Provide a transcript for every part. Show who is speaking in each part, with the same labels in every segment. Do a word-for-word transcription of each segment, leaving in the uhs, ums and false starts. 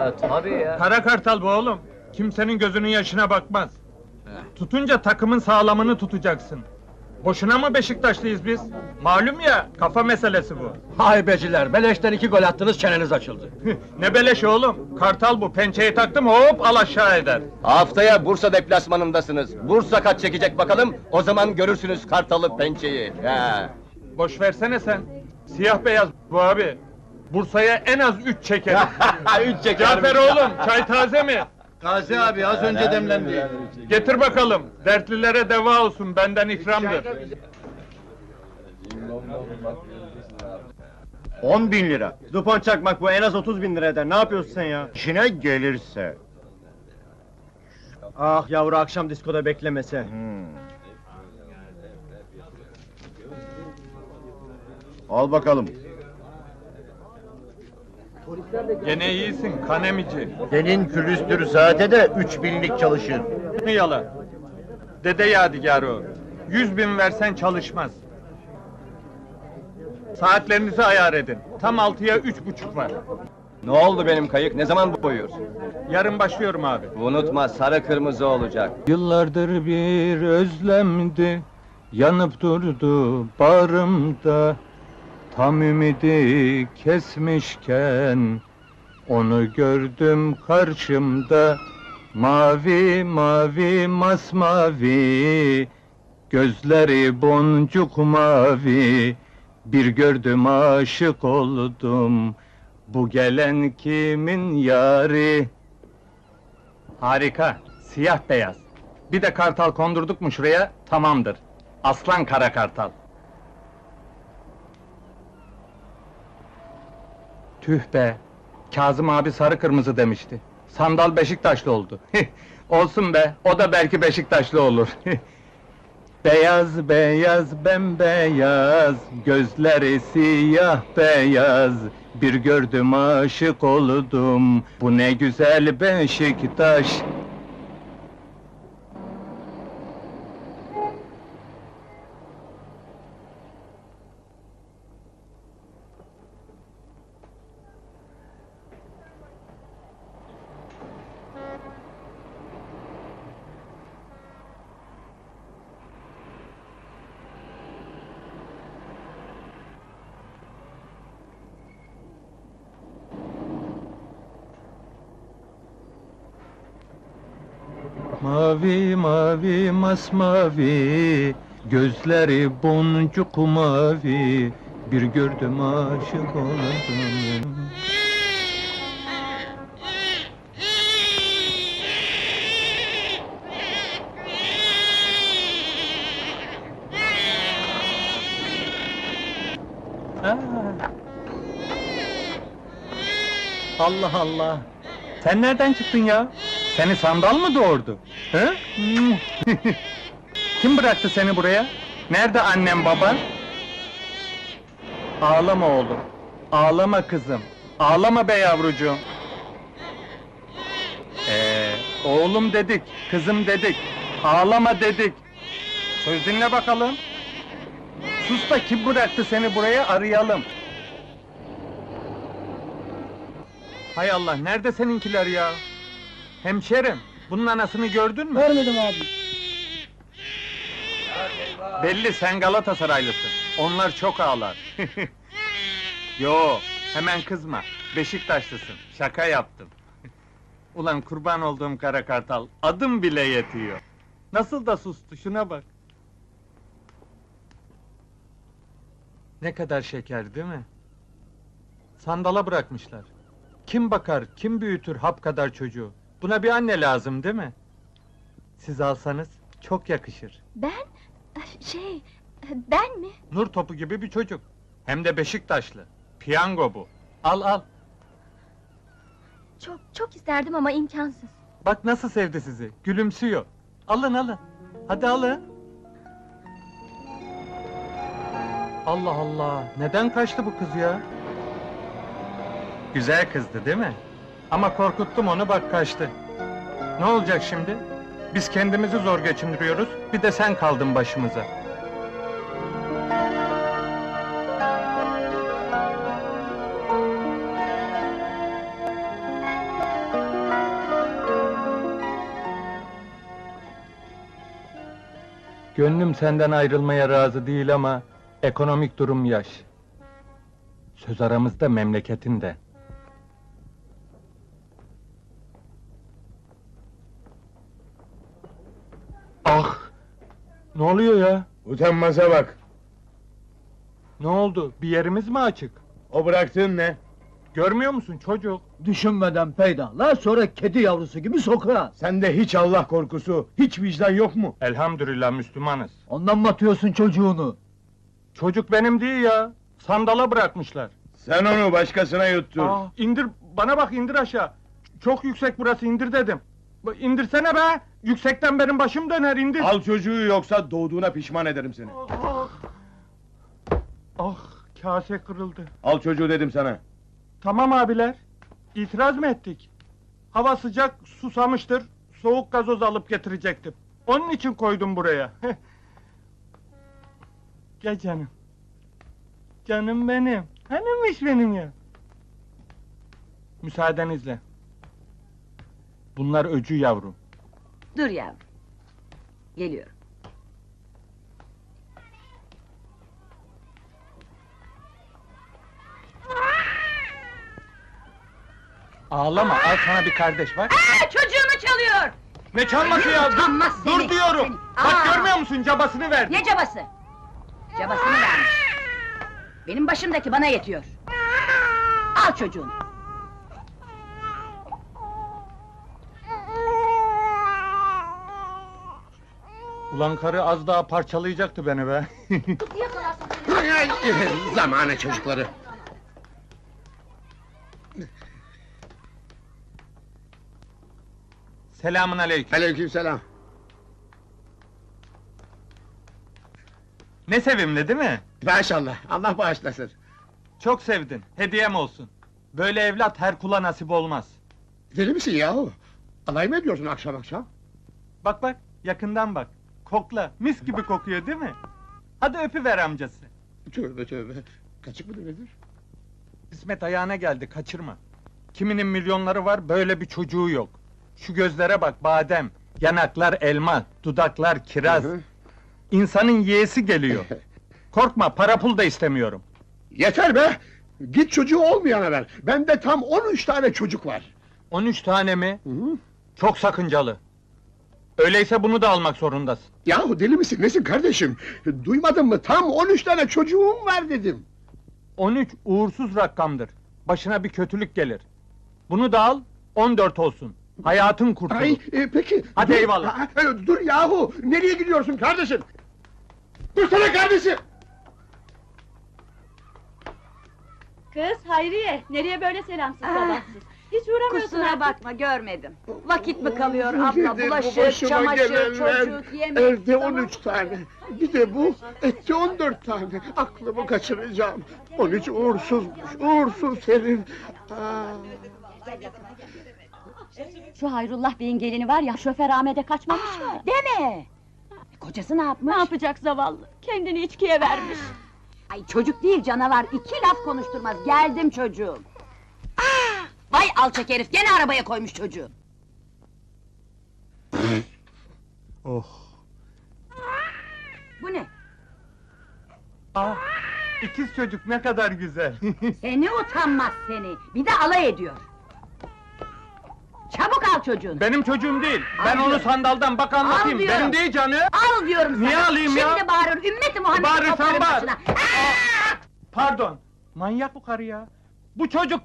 Speaker 1: Tabii ya.
Speaker 2: Kara kartal bu oğlum. Kimsenin gözünün yaşına bakmaz. Tutunca takımın sağlamını tutacaksın. Boşuna mı Beşiktaşlıyız biz? Malum ya, kafa meselesi bu.
Speaker 3: Hay beciler, beleşten iki gol attınız, çeneniz açıldı.
Speaker 2: Ne beleş oğlum? Kartal bu, pençeyi taktım hop al aşağı eder.
Speaker 1: Haftaya Bursa deplasmanındasınız. Bursa kaç çekecek bakalım, o zaman görürsünüz Kartalı pençeyi. He.
Speaker 2: Boş versene sen. Siyah beyaz bu abi. Bursa'ya en az üç çeker.
Speaker 1: Üç çeker.
Speaker 2: Cafer oğlum, çay taze mi?
Speaker 3: Gazi abi, az önce demlendi.
Speaker 2: Getir bakalım, dertlilere deva olsun, benden ikramdır.
Speaker 3: On bin lira. Dupon çakmak bu, en az otuz bin lira eder. Ne yapıyorsun sen ya?
Speaker 4: İşine gelirse.
Speaker 3: Ah yavru, akşam diskoda beklemese.
Speaker 4: Hmm. Al bakalım.
Speaker 2: Gene iyisin, kanemici.
Speaker 4: Senin külüstür saate de üç binlik çalışır.
Speaker 2: Ne yalan? Dede yadigarı o. Yüz bin versen çalışmaz. Saatlerinizi ayar edin. Tam altıya üç buçuk var.
Speaker 1: Ne oldu benim kayık, ne zaman boyuyorsun?
Speaker 2: Yarın başlıyorum abi.
Speaker 1: Unutma, sarı kırmızı olacak.
Speaker 2: Yıllardır bir özlemdi, yanıp durdu bağrımda. Tam ümidi kesmişken, onu gördüm karşımda. Mavi mavi masmavi, gözleri boncuk mavi. Bir gördüm aşık oldum, bu gelen kimin yari? Harika, siyah beyaz. Bir de kartal kondurduk mu şuraya, tamamdır. Aslan kara kartal. Tüh be! Kazım abi sarı kırmızı demişti. Sandal Beşiktaşlı oldu. Olsun be, o da belki Beşiktaşlı olur. Beyaz beyaz bembeyaz, gözleri siyah beyaz. Bir gördüm aşık oldum, bu ne güzel Beşiktaş. Mavi mavi masmavi, gözleri boncuk mavi. Bir gördüm aşık oldum. Aa! Allah Allah! Sen nereden çıktın ya? Seni sandal mı doğurdu? Hı? Kim bıraktı seni buraya? Nerede annem baban? Ağlama oğlum, ağlama kızım, ağlama be yavrucuğum. Ee, oğlum dedik, kızım dedik, ağlama dedik. Söz dinle bakalım. Sus da kim bıraktı seni buraya, arayalım. Hay Allah, nerede seninkiler ya? Hemşerim, bunun anasını gördün mü?
Speaker 5: Görmedim abi.
Speaker 2: Belli sen Galatasaraylısın. Onlar çok ağlar. Yo, hemen kızma. Beşiktaşlısın. Şaka yaptım. Ulan kurban olduğum kara kartal, adım bile yetiyor. Nasıl da sustu, şuna bak. Ne kadar şeker değil mi? Sandala bırakmışlar. Kim bakar, kim büyütür hap kadar çocuğu? Buna bir anne lazım değil mi? Siz alsanız çok yakışır.
Speaker 5: Ben? Şey, ben mi?
Speaker 2: Nur topu gibi bir çocuk. Hem de Beşiktaşlı. Piyango bu. Al al.
Speaker 5: Çok, çok isterdim ama imkansız.
Speaker 2: Bak nasıl sevdi sizi. Gülümsüyor. Alın alın. Hadi alın. Allah Allah. Neden kaçtı bu kız ya? Güzel kızdı değil mi? Ama korkuttum onu, bak kaçtı. Ne olacak şimdi? Biz kendimizi zor geçindiriyoruz, bir de sen kaldın başımıza. Gönlüm senden ayrılmaya razı değil ama ekonomik durum yaş. Söz aramızda memleketin de. Ah! Ne oluyor ya?
Speaker 4: Utanmaza bak.
Speaker 2: Ne oldu? Bir yerimiz mi açık?
Speaker 4: O bıraktığın ne?
Speaker 2: Görmüyor musun çocuk?
Speaker 6: Düşünmeden peydahla, sonra kedi yavrusu gibi sokağa.
Speaker 4: Sende hiç Allah korkusu, hiç vicdan yok mu?
Speaker 2: Elhamdülillah Müslümanız.
Speaker 6: Ondan mı atıyorsun çocuğunu?
Speaker 2: Çocuk benim değil ya. Sandala bırakmışlar.
Speaker 4: Sen onu başkasına yuttur.
Speaker 2: Aa, indir, bana bak indir aşağı. Ç- Çok yüksek burası, indir dedim. Ba- İndirsene be! Yüksekten benim başım döner, indir!
Speaker 4: Al çocuğu yoksa doğduğuna pişman ederim seni.
Speaker 2: Ah! Ah, kase kırıldı.
Speaker 4: Al çocuğu dedim sana.
Speaker 2: Tamam abiler, itiraz mı ettik? Hava sıcak, susamıştır, soğuk gazoz alıp getirecektim. Onun için koydum buraya. Gel canım. Canım benim. Hanımmış benim ya. Müsaadenizle. Bunlar öcü yavrum.
Speaker 7: Dur yavrum. Geliyorum.
Speaker 2: Ağlama, al sana bir kardeş bak.
Speaker 7: Aa, çocuğumu çalıyor!
Speaker 2: Ne çalması ya? Dur,
Speaker 7: Utanmaz
Speaker 2: dur
Speaker 7: seni,
Speaker 2: diyorum.
Speaker 7: seni.
Speaker 2: Bak
Speaker 7: Aa!
Speaker 2: görmüyor musun? Cabasını verdi.
Speaker 7: Ne cabası? Cabasını vermiş. Benim başımdaki bana yetiyor. Al çocuğunu.
Speaker 2: Ulan karı az daha parçalayacaktı beni be.
Speaker 4: Zamanı çocukları.
Speaker 2: Selamun aleyküm.
Speaker 4: Aleykümselam.
Speaker 2: Ne sevimli değil mi?
Speaker 4: Maşallah, Allah bağışlasın.
Speaker 2: Çok sevdin. Hediyem olsun. Böyle evlat her kula nasip olmaz.
Speaker 4: Deli misin yahu? Alay mı ediyorsun akşam akşam?
Speaker 2: Bak bak, yakından bak. Kokla, mis gibi kokuyor değil mi? Hadi öpüver amcası.
Speaker 4: Tövbe tövbe. Kaçık mıdır nedir?
Speaker 2: İsmet ayağına geldi, kaçırma. Kiminin milyonları var, böyle bir çocuğu yok. Şu gözlere bak, badem. Yanaklar elma, dudaklar kiraz.
Speaker 4: Hı hı.
Speaker 2: İnsanın yeğesi geliyor. Korkma, para pul da istemiyorum.
Speaker 4: Yeter be! Git çocuğu olmayana ver. Bende tam on üç tane çocuk var.
Speaker 2: On üç tane mi?
Speaker 4: Hı hı.
Speaker 2: Çok sakıncalı. Öyleyse bunu da almak zorundasın.
Speaker 4: Yahu deli misin nesin kardeşim? Duymadın mı? Tam on üç tane çocuğum var dedim.
Speaker 2: On üç uğursuz rakamdır. Başına bir kötülük gelir. Bunu da al, on dört olsun. Hayatın kurtulur.
Speaker 4: Ay e, peki.
Speaker 2: Hadi
Speaker 4: dur,
Speaker 2: eyvallah.
Speaker 4: ha, e, dur yahu! Nereye gidiyorsun kardeşim? Dursana kardeşim!
Speaker 5: Kız Hayriye, nereye böyle selamsız
Speaker 7: Ah.
Speaker 5: sabahsız? Hiç uğramıyorsun
Speaker 7: Kusura
Speaker 5: artık.
Speaker 7: bakma, görmedim. Vakit mi kalıyor
Speaker 4: Bir
Speaker 7: abla?
Speaker 4: de bu
Speaker 7: Bulaşık,
Speaker 4: başıma
Speaker 7: çamaşır,
Speaker 4: gelenler,
Speaker 7: çocuk, yemek...
Speaker 4: Evde
Speaker 7: Tamam.
Speaker 4: on üç tane. Bir de bu, etti on dört tane. Aklımı kaçıracağım. On üç uğursuzmuş, uğursuz herif. Aa.
Speaker 7: Şu Hayrullah Bey'in gelini var ya, şoför Ahmet'e kaçmamış mı? Deme! Kocası ne yapmış?
Speaker 5: Ne yapacak zavallı? Kendini içkiye vermiş.
Speaker 7: Ay çocuk değil canavar, iki laf konuşturmaz. Geldim çocuğum. Ah! Vay alçak herif, gene arabaya koymuş çocuğu.
Speaker 2: Oh.
Speaker 7: Bu ne?
Speaker 2: Ah, ikiz çocuk ne kadar güzel.
Speaker 7: Seni utanmaz seni, bir de alay ediyor. Çabuk al çocuğunu.
Speaker 2: Benim çocuğum değil. Ben
Speaker 7: Al
Speaker 2: onu
Speaker 7: diyorum.
Speaker 2: sandaldan bak anlatayım.
Speaker 7: Al diyorum.
Speaker 2: Benim değil canım.
Speaker 7: Al diyorum sana.
Speaker 2: Niye alayım ya?
Speaker 7: Şimdi bağırır, ümmeti Muhammed'i
Speaker 2: Bağırırsan
Speaker 7: koparır
Speaker 2: bağır.
Speaker 7: başına. Ah!
Speaker 2: Pardon. Manyak bu karı ya. Bu çocuk...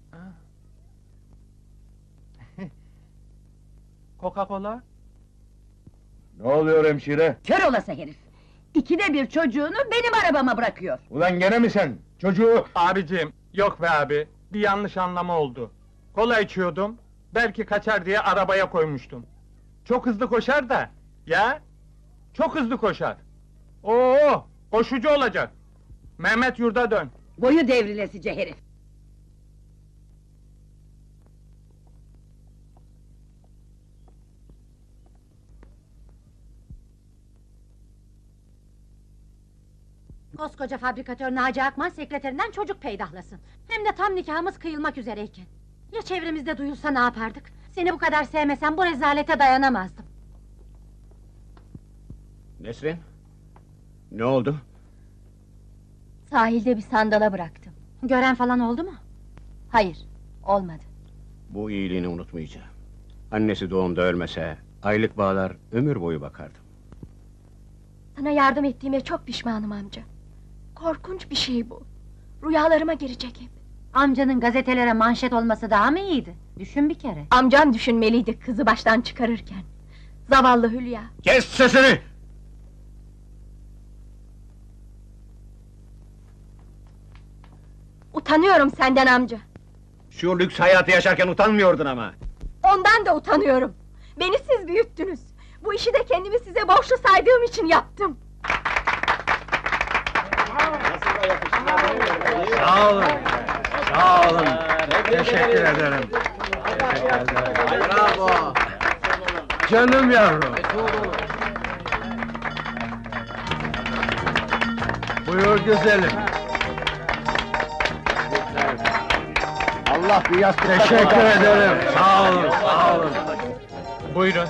Speaker 2: Coca-Cola?
Speaker 4: Ne oluyor hemşire?
Speaker 7: Kör olası herif! İkide bir çocuğunu benim arabama bırakıyor.
Speaker 4: Ulan gene mi sen? Çocuğu...
Speaker 2: Abicim, yok be abi. Bir yanlış anlama oldu. Kola içiyordum. Belki kaçar diye arabaya koymuştum. Çok hızlı koşar da. Ya? Çok hızlı koşar. Oo, koşucu olacak. Mehmet yurda dön.
Speaker 7: Boyu devrilesice herif!
Speaker 8: Koskoca fabrikatör Naci Akman sekreterinden çocuk peydahlasın. Hem de tam nikahımız kıyılmak üzereyken. Ya çevremizde duyulsa ne yapardık? Seni bu kadar sevmesem bu rezalete dayanamazdım.
Speaker 3: Nesrin? Ne oldu?
Speaker 5: Sahilde bir sandala bıraktım.
Speaker 8: Gören falan oldu mu?
Speaker 5: Hayır, olmadı.
Speaker 3: Bu iyiliğini unutmayacağım. Annesi doğumda ölmese, aylık bağlar ömür boyu bakardım.
Speaker 5: Sana yardım ettiğime çok pişmanım amca. Korkunç bir şey bu. Rüyalarıma girecek hep.
Speaker 8: Amcanın gazetelere manşet olması daha mı iyiydi? Düşün bir kere.
Speaker 5: Amcam düşünmeliydi kızı baştan çıkarırken. Zavallı Hülya.
Speaker 3: Kes sesini!
Speaker 5: Utanıyorum senden amca.
Speaker 3: Şu lüks hayatı yaşarken utanmıyordun ama.
Speaker 5: Ondan da utanıyorum. Beni siz büyüttünüz. Bu işi de kendimi size borçlu saydığım için yaptım.
Speaker 2: Sağ olun. Sağ olun. Teşekkür ederim.
Speaker 3: Bravo!
Speaker 2: Canım yavrum. Buyur güzelim.
Speaker 1: Allah bir yastık
Speaker 2: Teşekkür ederim. Sağ olun, sağ olun. Buyurun.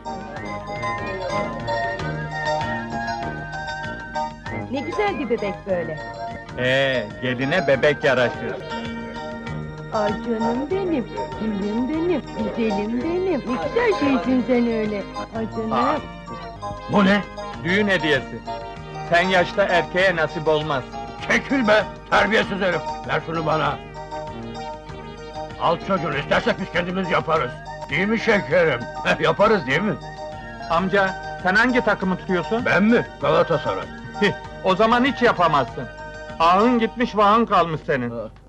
Speaker 5: Ne güzel bir bebek böyle.
Speaker 2: Ee, geline bebek yaraşır.
Speaker 5: Ay canım benim, gülüm benim, güzelim benim. Ne güzel şeysin sen öyle. Ay canım.
Speaker 2: Aa,
Speaker 3: Bu ne?
Speaker 2: düğün hediyesi. Sen yaşta erkeğe nasip olmaz.
Speaker 3: Çekil be! Terbiyesiz herif! Ver şunu bana! Al çocuğunu, istersek biz kendimiz yaparız. Değil mi şekerim? Heh, yaparız değil mi?
Speaker 2: Amca, sen hangi takımı tutuyorsun?
Speaker 3: Ben mi? Galatasaray.
Speaker 2: O zaman hiç yapamazsın. Ahın gitmiş, vahın kalmış senin.